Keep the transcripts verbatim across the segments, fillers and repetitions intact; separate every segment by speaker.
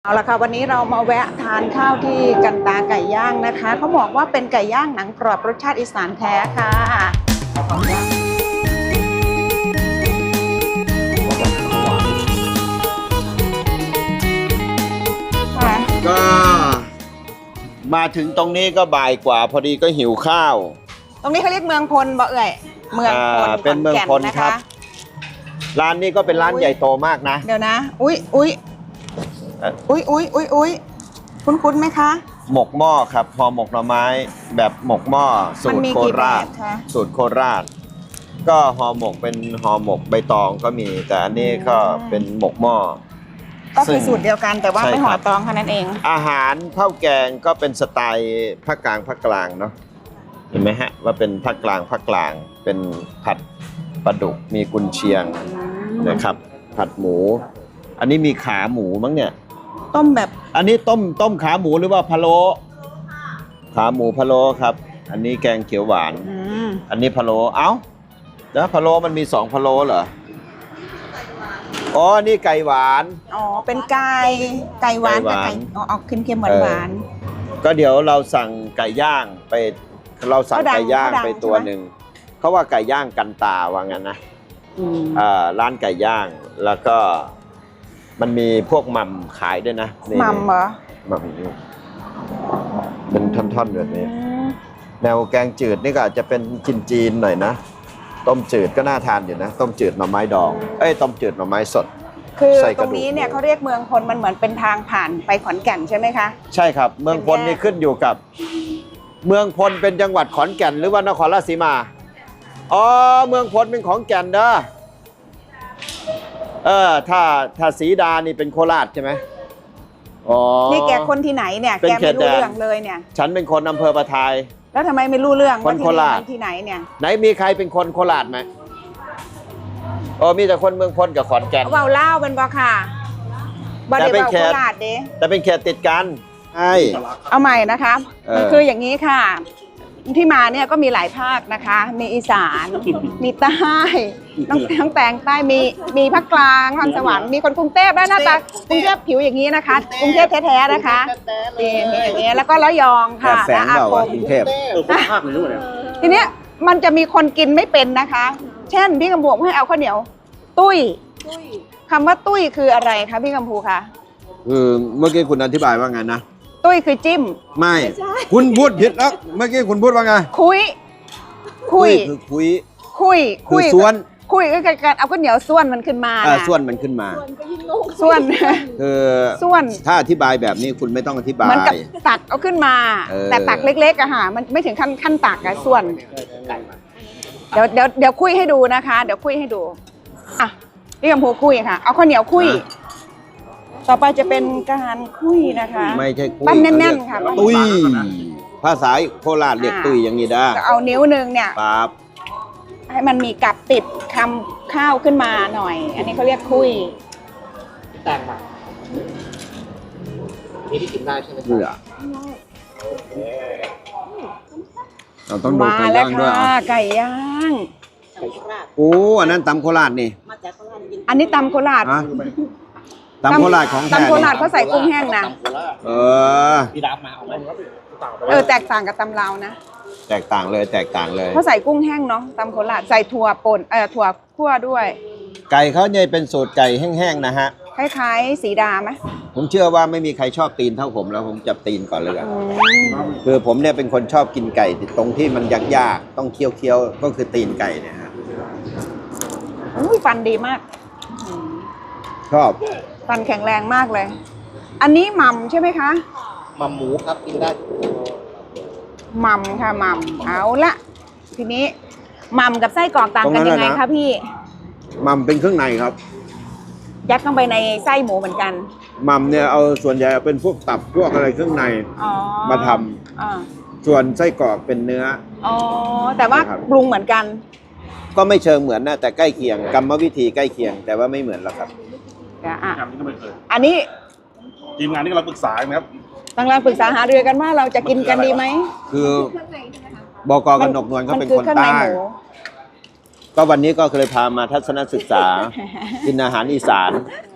Speaker 1: เอาละค่ะวันนี้เรามาแวะทานข้าวที่กันตาไก่ย่างนะคะเขาบอกว่าเป็นไก่ย่างหนังกรอบรสชาติอีสานแท้ค่ะ
Speaker 2: ก็มาถึงตรงนี้ก็บ่ายกว่าพอดีก็หิวข้าว
Speaker 1: ตรงนี้เขาเรียกเมืองพลบ่เอ่ยเมืองพล
Speaker 2: เป็นเมืองพลครับร้านนี้ก็เป็นร้านใหญ่โตมากนะ
Speaker 1: เดี๋ยวนะอุ้ยอุ้ยอุ้ยอุ้ยอุ้ยอุ้ยคุ้นคุ้นไหมคะ
Speaker 2: หมกหม้อครับห่อหมกหน่อไม้แบบหมกหม้อสูตรโคราชสูตรโคราชก็ห่อหมกเป็นห่อหมกใบตองก็มีแต่อันนี้ก็เป็นหมกหม้อ
Speaker 1: ก็คือสูตรเดียวกันแต่ว่าไม่ห่อตองแค่นั้นเอง
Speaker 2: อาหารข้าวแกงก็เป็นสไตล์ภาคกลางภาคกลางเนาะเห็นไหมฮะว่าเป็นภาคกลางภาคกลางเป็นผัดปลาดุกมีกุนเชียงนะครับผัดหมูอันนี้มีขาหมูมั้งเนี่ย
Speaker 1: ต้มแบบ
Speaker 2: อันนี้ต้มต้มขาหมูหรือว่าพะโล้ขาหมูพะโล้ครับอันนี้แกงเขียวหวานอันนี้พะโล้เอ้าแล้วพะโล้มันมีสองพะโล้เหรออ๋อนี่ไก่หวาน
Speaker 1: อ๋อเป็นไก่ไก่หวานกับไก่อ๋อออกเค็มๆหวาน
Speaker 2: ๆก็เดี๋ยวเราสั่งไก่ย่างไปเราสั่งไก่ย่างไปตัวหนึ่งเขาว่าไก่ย่างกันตาว่างั้นนะร้านไก่ย่างแล้วก็มันมีพวกหม่ำขายด้วยนะ
Speaker 1: หม่ำเหรอ
Speaker 2: หม่ำเป็นท่อนๆแบบนี้แนวแกงจืดนี่ก็อาจจะเป็นจีนๆหน่อยนะต้มจืดก็น่าทานอยู่นะต้มจืดหน่อไม้ดองเอ้ยต้มจืดหน่อไม้สด
Speaker 1: คือตรงนี้เนี่ยเขาเรียกเมืองพลมันเหมือนเป็นทางผ่านไปขอนแก่นใช่ไหมคะ
Speaker 2: ใช่ครับเมืองพลนี่ขึ้นอยู่กับเมืองพลเป็นจังหวัดขอนแก่นหรือว่านครราชสีมาอ๋อเมืองพลเป็นของแก่นเด้อเออถ้าถ้าศรีดานี่เป็นโคราชใช่ไหมอ๋อ
Speaker 1: นี่แกคนที่ไหนเนี่ยแกไม่รู้เรื่องเลยเนี่ย
Speaker 2: ฉันเป็นคนอำเภอประทาย
Speaker 1: แล้วทำไมไม่รู้เรื่อง
Speaker 2: คนโคราช
Speaker 1: ที่ไหนเนี่ย
Speaker 2: ไหนมีใครเป็นคนโคราชไหมอ๋อมีแต่คนเมืองพลกับขอนแก่น
Speaker 1: เบาเล่าเป็นบ่ค่ะบ่ได้เบาโคราชเด้
Speaker 2: แต่เป็นเขตติดกันใช่
Speaker 1: เอาใหม่นะคะมันคืออย่างนี้ค่ะที่มาเนี่ยก็มีหลายภาคนะคะมีอีสานมีใต้น้องทั้งแตงใต้มีมีภาคกลางนครสวรรค์มีคนกรุงเทพและหน้าตากรุงเทพผิวอย่างนี้นะคะกรุงเทพแท้ๆนะคะนี่อย่างนี้แล้วก็ระยองค่ะ
Speaker 2: และอาคมกรุงเทพ
Speaker 1: ทีเนี้ยมันจะมีคนกินไม่เป็นนะคะเช่นพี่กำพูให้เอาข้าวเหนียวตุ้ยคำว่าตุ้ยคืออะไรคะพี่กำพูคะ
Speaker 2: คือเมื่อกี้คุณอธิบายว่าไงนะ
Speaker 1: ตุ้ยคือจิ้ม
Speaker 2: ไม่คุณพูดผิดแล้วเมื่อกี้คุณพูดว่าไง
Speaker 1: คุย
Speaker 2: คุยคือคุย
Speaker 1: คุย
Speaker 2: คุยส่วน
Speaker 1: คุยก็คือการเอาข้าวเหนียวส่วนมันขึ้นมา
Speaker 2: ส่วนมันขึ้นมา
Speaker 1: ส่วน
Speaker 2: คือ
Speaker 1: ส่วน
Speaker 2: ถ้าอธิบายแบบนี้คุณไม่ต้องอธิบาย
Speaker 1: มันกับตักเอาขึ้นมาแต่ตักเล็กๆอะค่ะมันไม่ถึงขั้นขั้นตักอะส่วนเดี๋ยวเดี๋ยวเดี๋ยวคุยให้ดูนะคะเดี๋ยวคุยให้ดูอ่ะพี่กำพูคุยค่ะเอาข้าวเหนียวคุยต่อไปจะเป็นการคุยนะคะ
Speaker 2: ไม่ใช่คุย
Speaker 1: ปั้นแน่นๆค่ะ
Speaker 2: ตุ้ยภาษาโคราชเรียกตุ้ยอย่างนี้ได้
Speaker 1: เอานิ้วหนึ่งเนี่ย
Speaker 2: ปั๊บ
Speaker 1: ให้มันมีกับติดคำข้าวขึ้นมาหน่อยอันนี้เขาเรียกคุย
Speaker 3: แตงมานี่ที่กินได้ใช่ไหมครับ
Speaker 2: เราต้องดูไก่ย่างด้วย
Speaker 1: ไก่ย่าง
Speaker 2: โอ้อันนั้นตำโคราชนี่
Speaker 1: อันนี้ตำโคราช
Speaker 2: ตำโคราชของแท้
Speaker 1: ตำโคราชเขาใส่กุ้งแห้งนะ
Speaker 2: เออ
Speaker 3: พี่รับมาเอาไหม
Speaker 1: เออแตกต่างกับตำลาวนะ
Speaker 2: แตกต่างเลยแตกต่างเลย
Speaker 1: เขาใส่กุ้งแห้งเนาะตำโคราชใส่ถั่วป่นเออถั่วคั่วด้วย
Speaker 2: ไก่เขาเนี่ยเป็นสูตรไก่แห้งๆนะฮะ
Speaker 1: คล้ายๆสีดาไหม
Speaker 2: ผมเชื่อว่าไม่มีใครชอบตีนเท่าผมแล้วผมจับตีนก่อนเลยกันคือผมเนี่ยเป็นคนชอบกินไก่ตรงที่มันยากๆต้องเคี้ยวๆก็คือตีนไก่เนี่ยฮะ
Speaker 1: อุ้ยฟันดีมาก
Speaker 2: ชอบ
Speaker 1: ฟันแข็งแรงมากเลยอันนี้หม่ำใช่ไหมคะ
Speaker 3: หม่ำหมูครับกินได้
Speaker 1: หม่ำค่ะหม่ำเอาละทีนี้หม่ำกับไส้กรอกต่างกันยังไงคะพี่
Speaker 2: หม่ำเป็นเครื่องในครับ
Speaker 1: ยัดเข้าไปในไส้หมูเหมือนกัน
Speaker 2: หม่ำเนี่ยเอาส่วนใหญ่เป็นพวกตับพวกอะไรเครื่องในมาทำส่วนไส้กรอกเป็นเนื้อ
Speaker 1: อ๋อแต่ว่าปรุงเหมือนกัน
Speaker 2: ก็ไม่เชิงเหมือนนะแต่ใกล้เคียงกรรมวิธีใกล้เคียงแต่ว่าไม่เหมือนหรอกครับ
Speaker 1: อันนี้
Speaker 3: ทีมงานที่เราปรึกษาครับ
Speaker 1: ตั้งแต่ปรึกษาหารือกันว่าเราจะกินกันดีไหม
Speaker 2: คือบก.กนกนวลเขาเป็นคนใต้ก็วันนี้ก็เคยพามาทัศนศึกษากินอาหารอีสาน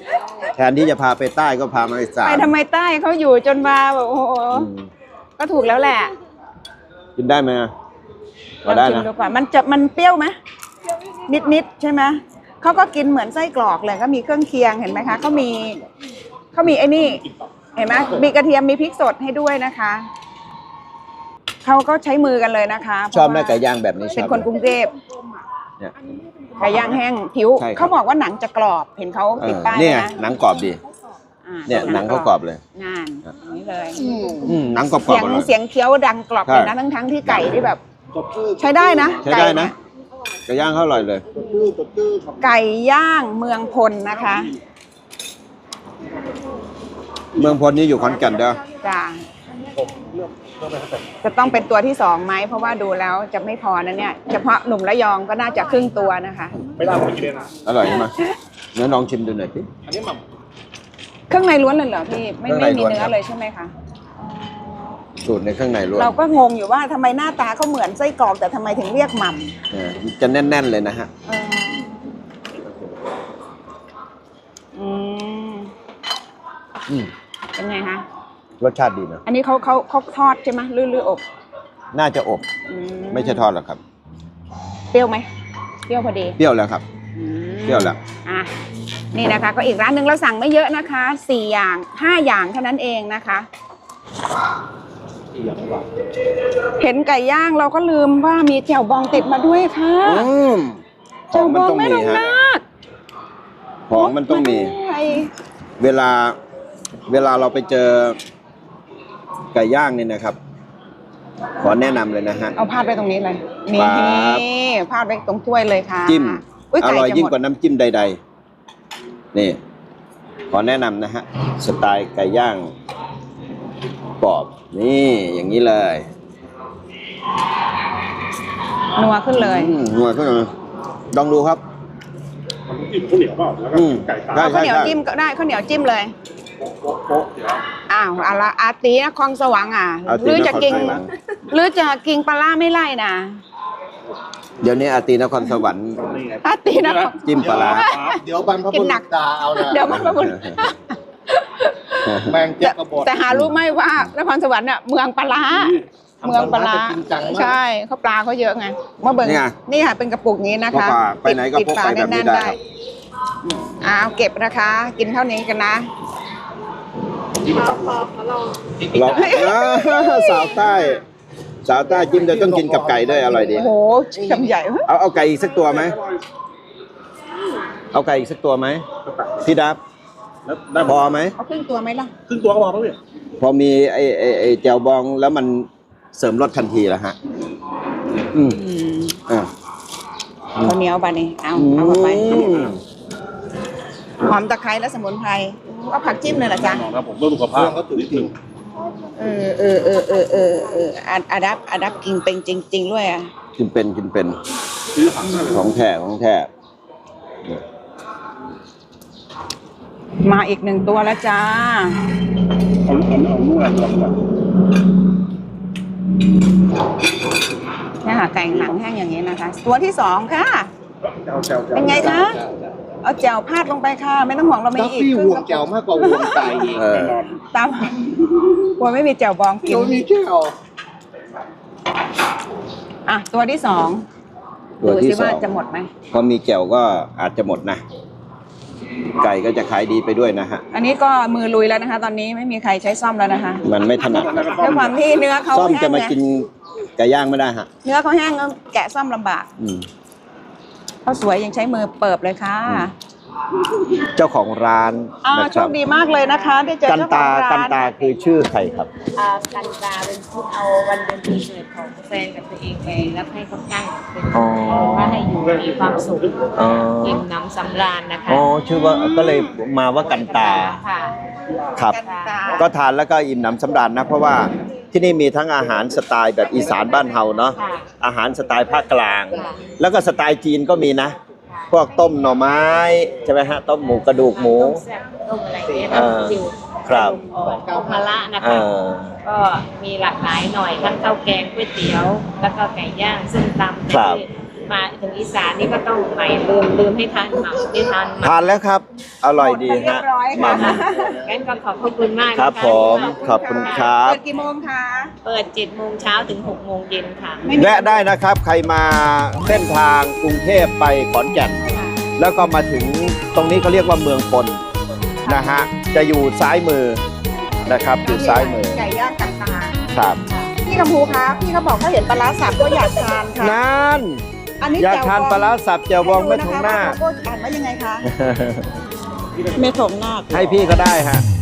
Speaker 2: แทนที่จะพาไปใต้ก็พามาอีสาน
Speaker 1: ไปทำไมใต้เขาอยู่จนมาแบบโอ้โห
Speaker 2: อืม
Speaker 1: ก็ถูกแล้วแหละ
Speaker 2: กินได้ไหมอะ
Speaker 1: ล
Speaker 2: พอ
Speaker 1: อง
Speaker 2: ได้
Speaker 1: ชิม
Speaker 2: นะ
Speaker 1: ดูก่อนมันจะมันเปรี้ยวไหมนิดนิดๆใช่ไหมเขาก็กินเหมือนไส้กรอกเลยก็มีเครื่องเคียงเห็นไหมคะเขามีเขามีไอ้นี่เห็นไหมมีกระเทียมมีพริกสดให้ด้วยนะคะเขาก็ใช้มือกันเลยนะคะ
Speaker 2: ชอบไหม
Speaker 1: เพระว่
Speaker 2: ไก่ย่างแบบนี้ชอบ
Speaker 1: เป็นคนกรุงเทพ
Speaker 2: เนี่ย
Speaker 1: ไก่ย่างแห้งผิว
Speaker 2: ใช่ครับ
Speaker 1: เขาบอกว่าหนังจะกรอบเห็นเขา
Speaker 2: เอ
Speaker 1: ติด
Speaker 2: อ
Speaker 1: ป้าย
Speaker 2: เนี่ย
Speaker 1: นะ
Speaker 2: หนังกรอบดี
Speaker 1: อ่า
Speaker 2: เนี่ยหนังเขากรอบเลย
Speaker 1: งานอย่างนี้เลย
Speaker 2: อืมหนังกรอบๆ
Speaker 1: เสียง
Speaker 2: อร่อย
Speaker 1: เสียงเคี้ยวดังกรอบ
Speaker 2: ใช่
Speaker 1: เลยนะทั้งทั้งๆที่ไก่ที่แบบ ใช้ได้นะ
Speaker 2: ใช้ได้นะ
Speaker 1: ไก่เย
Speaker 2: ไก่ย่างเขาอร่อยเลย
Speaker 1: ไก่ย่างเมืองพลนะคะ
Speaker 2: เมืองพลนี่อยู่ขอนแก่นเด้อ
Speaker 1: จ้าจะต้องเป็นตัวที่สองไหมเพราะว่าดูแล้วจะไม่พอนะเนี่ยเฉพาะหนุ่มระยองก็น่าจะครึ่งตัวนะคะ
Speaker 3: ไม่ได้ผมกินเลยนะ
Speaker 2: อร่อยใช่ไหมเนื้อลองชิมดูหน่อยสิ
Speaker 3: อันนี้หม่
Speaker 1: เครื่องในล้วนเลยเหรอพี่ไม่
Speaker 2: เครื่
Speaker 1: ไม่
Speaker 2: องใน
Speaker 1: มี
Speaker 2: ล้วน
Speaker 1: เนื้
Speaker 2: ครั
Speaker 1: อบ เลยใช่ไหมคะ
Speaker 2: สูตรในข้างในล้วน
Speaker 1: เราก็งงอยู่ว่าทำไมหน้าตาเขาเหมือนไส้กรอกแต่ทำไมถึงเรียกหม่ำ
Speaker 2: เออจะแน่น ๆ เลยนะฮะ
Speaker 1: เอออืม
Speaker 2: อืม
Speaker 1: เป็นไงคะ
Speaker 2: รสชาติดีนะ
Speaker 1: อันนี้เขาเขาเขาทอดใช่ไหมหรือหรืออบ
Speaker 2: น่าจะอบ
Speaker 1: อื
Speaker 2: ไม่ใช่ทอดหรอกครับ
Speaker 1: เปรี้ยวไหมเปรี้ยวพอดี
Speaker 2: เปรี้ยวแล้วครับ
Speaker 1: อืม
Speaker 2: เปรี้ยวแล้ว
Speaker 1: อ่ะนี่นะคะ ก็อีกร้านหนึ่งเราสั่งไม่เยอะนะคะสี่อย่างห้าอย่างเท่านั้นเองนะคะ เห็นไก่ย่างเราก็ลืมว่ามีแจ่วบองติดมาด้วยค่ะ
Speaker 2: อืมข
Speaker 1: แจ่
Speaker 2: อ
Speaker 1: ว
Speaker 2: ง
Speaker 1: บ
Speaker 2: มัน
Speaker 1: อง
Speaker 2: ต้อง
Speaker 1: แม่
Speaker 2: มี
Speaker 1: ลง
Speaker 2: ฮะ
Speaker 1: นาค
Speaker 2: ของมันต้องมี
Speaker 1: าด้วย
Speaker 2: เวลา เวลาเราไปเจอไก่ย่างนี่นะครับ ขอแนะนำเลยนะฮะ
Speaker 1: เอาพาดไปตรงนี้เลยนี่
Speaker 2: ครับ
Speaker 1: พาดไปตรงถ้วยเลยค่ะ
Speaker 2: จิ้ม
Speaker 1: อุ๊
Speaker 2: อ
Speaker 1: ไก่
Speaker 2: ร่อย
Speaker 1: จะ
Speaker 2: ยิ่ง
Speaker 1: หมด
Speaker 2: กว่าน้ำจิ้มใด ๆ นี่ ขอแนะนำนะฮะ สไตล์ไก่ย่างกรอบ นี่อย่างนี้เลย
Speaker 1: นัวขึ้นเลย
Speaker 2: อืมหน่วยก็ลองดูครับ
Speaker 3: ำจิ้มข้าวเหนียวเปล่าแล้วก็
Speaker 2: อืม
Speaker 3: ไก่ตา
Speaker 2: ได้
Speaker 1: เอาข้าวเหนียวจิ้มก็ได้ข้าวเหนียวจิ้มเลย
Speaker 3: โป๊ะโป๊ะเดี๋ยว
Speaker 1: อ้าวอาละอาตีนครสวรรค์อ่ะ
Speaker 2: อาตี
Speaker 1: หรือจะกิน
Speaker 2: นครสวรรค์
Speaker 1: หรือจะกินปลาร้าไม่ไล่นะ
Speaker 2: เดี๋ยวนี้อาตีนครสวรรค์
Speaker 3: นี่ไง
Speaker 1: อาตีนคร
Speaker 2: จิ้มปลาร้า
Speaker 3: เดี๋ยวบรรพ
Speaker 1: กิ
Speaker 3: บุ
Speaker 1: นหนั
Speaker 3: รุ
Speaker 1: ก
Speaker 3: ษด่าเอานะ
Speaker 1: เดี๋ยวมันมาบุญ
Speaker 3: แมงเจ็บกระบอก
Speaker 1: แต่หารู้ไหมว่านครสวรรค์เนี่ยเมืองปลาร้าเมืองปลาร้า
Speaker 3: ทำปลาร้าจริงจังมาก
Speaker 1: ใช่เขาปลาเขาเยอะไงมาเบิ่ง
Speaker 2: นี่ไง
Speaker 1: นี่ค่ะเป็นกระปุกนี้นะคะ
Speaker 2: พกปลาไปไหนก็
Speaker 1: ปิด
Speaker 2: พก
Speaker 1: ฝา
Speaker 2: ไปแบบนี้
Speaker 1: แน่นๆ
Speaker 2: ได้
Speaker 1: ได้อ้าวเก็บนะคะ กินเท่านี้กันนะ
Speaker 2: เราสาวใต้ สาวใต้จิ้มจะต้องกินกับไก่ด้วยอร่อยดี
Speaker 1: โอ้โหคำใหญ่
Speaker 2: เอาเอาไก่อีกสักตัวไหม เอาไก่อีกสักตัวไหมพี่ดับ
Speaker 3: แล้วได้
Speaker 2: พอไหม
Speaker 1: เอาครึ่งตัวไหมล่ะ
Speaker 3: ครึ่งตัวก็พอแล้วพี่
Speaker 2: พอมีไอ้ไอ้ไอ้แจ่วบองแล้วมันเสริมรสทันทีแล้วฮะ อืม
Speaker 1: อืม
Speaker 2: อ่า
Speaker 1: ข้าวเหนียวบานี่เอาเอาเข้าไปหอมตะไคร้และสมุนไพรเอาผักจิ้มเลยเหรอจ๊ะ
Speaker 3: นะผมเพื่อสุขภาพก็ถึงจริง
Speaker 1: เออเออเออเออเออเอออาอาดับอาดับกินเป็นจริง ๆ ด้วยอ่ะ
Speaker 2: กินเป็นกินเป็น
Speaker 3: ซื้อผักได้เลย
Speaker 2: ของแท้ของแท้
Speaker 1: มาอีกหนึ่งตัวแล้วจ้า
Speaker 3: เอาเอาเอาเนื้อก่อนก่อน
Speaker 1: เนี่ยค่ะไก่หนังแห้งอย่างนี้นะคะ ตัวที่สองค่ะ
Speaker 3: เจ้าเจ้าเจ้า
Speaker 1: เป็นไงคะ เอาแจ่วพาดลงไปค่ะ ไม่ต้องห่วงเราไม่
Speaker 3: ดับ
Speaker 1: อีก
Speaker 3: บี้ห่วงแก้วมากกว่าห่วงไก่อีก
Speaker 2: เออ
Speaker 1: ตามกลัวไม่มีแจ่วบองกิน
Speaker 3: เดี๋ยวมีแก้ว
Speaker 1: อ่ะตัวที่สอง
Speaker 2: ตัว
Speaker 1: ดู
Speaker 2: ที่
Speaker 1: สิ
Speaker 2: สอ
Speaker 1: ว่าง จะหมดไหม
Speaker 2: พอมีแจ่วก็อาจจะหมดนะ ไก่ก็จะขายดีไปด้วยนะฮะ
Speaker 1: อันนี้ก็มือลุยแล้วนะคะ ตอนนี้ไม่มีใครใช้ซ่อมแล้วนะคะ
Speaker 2: มันไม่ถนัดครับ
Speaker 1: ด้วยความที่เนื้อเขา
Speaker 2: ซ่อม
Speaker 1: แห้
Speaker 2: จะ
Speaker 1: ง
Speaker 2: มา
Speaker 1: ไง
Speaker 2: กินไก่ย่างไม่ได้ฮะ
Speaker 1: เนื้อเขาแห้งก็แกะซ่อมลำบาก
Speaker 2: อืม
Speaker 1: เขาสวยยังใช้มือเปิบเลยค่ะ
Speaker 2: เจ้าของร้าน
Speaker 1: อ่า
Speaker 2: นะ
Speaker 1: โช
Speaker 2: ครับ
Speaker 1: คดีมากเลยนะคะได้เจอ
Speaker 2: กัน
Speaker 1: เจ้าข
Speaker 2: ตา
Speaker 1: องร้าน
Speaker 2: กันตาคือชื่อใครครับ
Speaker 4: อ่ากันตาเป็นผู้เอาวันเดือนปีเกิดของแฟนกับตัวเองไปแล้วให้เขาตั้งเป็น
Speaker 2: อ๋อ
Speaker 4: ว่าให้อยู่มีความสุข
Speaker 2: อ๋อ
Speaker 4: อิ่มหน้ำสำราญนะคะ
Speaker 2: อ๋อชื่อว่าก็เลยมาว่ากันตา
Speaker 4: ค่ะ
Speaker 2: ครับ
Speaker 1: กันตา
Speaker 2: ก็ทานแล้วก็อิ่มหนำสำราญนะ เพราะว่าที่นี่มีทั้งอาหารสไตล์แบบอีสานบ้านเฮาเนาะ
Speaker 4: ค่ะ
Speaker 2: อาหารสไตล์ภาคกลาง
Speaker 4: ค่ะ
Speaker 2: แล้วก็สไตล์จีนก็มีนะ พวกต้มหน่อไม้ใช่ไหมฮะ ต้มหมูกระดูกหมู
Speaker 4: ต้มแซ่บต้มอะไรเงี้ย
Speaker 2: เออ
Speaker 4: จิ๋ว
Speaker 2: ครับ
Speaker 4: อ่อนข้าวมะระนะ
Speaker 2: เอ
Speaker 4: คะ
Speaker 2: อ
Speaker 4: ก็มีหลากหลายหน่อยทั้งข้าวแกงก๋วยเตี๋ยว แล้วก็ไก่ย่างซึ่งตำ
Speaker 2: ครับ
Speaker 4: ที่มาถึงอีสานนี่ก็ต้องใหม่ลืมลืมให้ทานหม่ำไม่ทานห
Speaker 2: ทานแล้วครับ อร่อยดี
Speaker 1: หมไปเรีย
Speaker 2: ฮะ
Speaker 1: บร้อย
Speaker 2: ห
Speaker 1: ค่ะ
Speaker 2: ม่
Speaker 4: ำงั้นก็ขอบพระคุณมาก
Speaker 2: ำครับ
Speaker 4: นะะ
Speaker 2: ผมขอบคุณครับ
Speaker 1: เปิดกี่โมงคะ
Speaker 4: เปิดเจ็ดโมงเช้าถึงหกโมงเย็นค่ะ
Speaker 1: ไม่มี
Speaker 2: แวะได้นะครับ ใครมาเส้นทางกรุงเทพไปขอนแก่น
Speaker 1: ค่ะ
Speaker 2: แล้วก็มาถึงตรงนี้เขาเรียกว่าเมืองพลนะฮะจะอยู่ซ้ายมือนะครับอยู่ซ้ายมือ
Speaker 1: ไก่ย่างกับตา
Speaker 2: ครับ
Speaker 1: พี่กำพูคะพี่เขาบอกเขาเห็นปลาร้าสับก็อยากทานค่ะ
Speaker 2: นั่น
Speaker 1: อันนี้
Speaker 2: อยาก
Speaker 1: แจ่ว
Speaker 2: ทาน
Speaker 1: บอง
Speaker 2: ปลาร้าสับเจียวบองแม่ทงหน้า
Speaker 1: ให้ดูะคะว่าโลโก้อ่านว่ายังไงคะเมถงหน้า
Speaker 2: ให้พี่ก็ได้ฮะ